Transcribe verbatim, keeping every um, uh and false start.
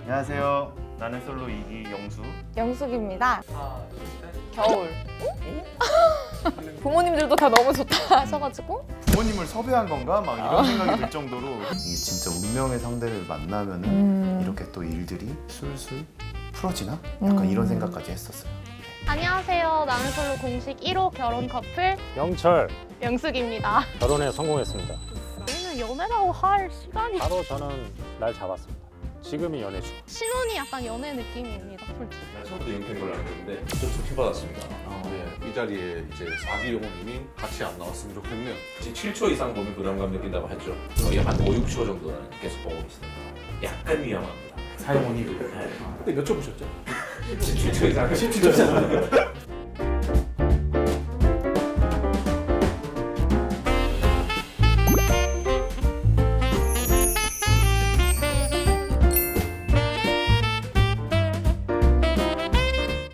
안녕하세요. 나는 솔로 이 기 영수. 영숙입니다. 겨울. 부모님들도 다 너무 좋다 하셔가지고 부모님을 섭외한 건가? 막 이런 생각이 들 정도로 이게 진짜 운명의 상대를 만나면은 음. 이렇게 또 일들이 술술 풀어지나? 약간 음. 이런 생각까지 했었어요. 안녕하세요. 나는 솔로 공식 일 호 결혼 커플 영철 영숙입니다. 결혼에 성공했습니다. 저희는 연애라고 할 시간이 바로 저는 날 잡았습니다. 지금이 연애 중. 신혼이 약간 연애 느낌입니다. 솔직히. 난 처음부터 영표인 걸로 알고 있는데 좀 좋게받았습니다. 네, 이 자리에 이제 사기 영호님이 같이 안 나왔으면 좋겠네요. 지금 칠 초 이상 보면 부담감 느낀다고 했죠. 저희 한 오, 육 초 정도는 계속 보고 있습니다. 약간 위험합니다. 사용원이 근데 몇 초 보셨죠? 십칠 초 이상. 십칠 초 이상.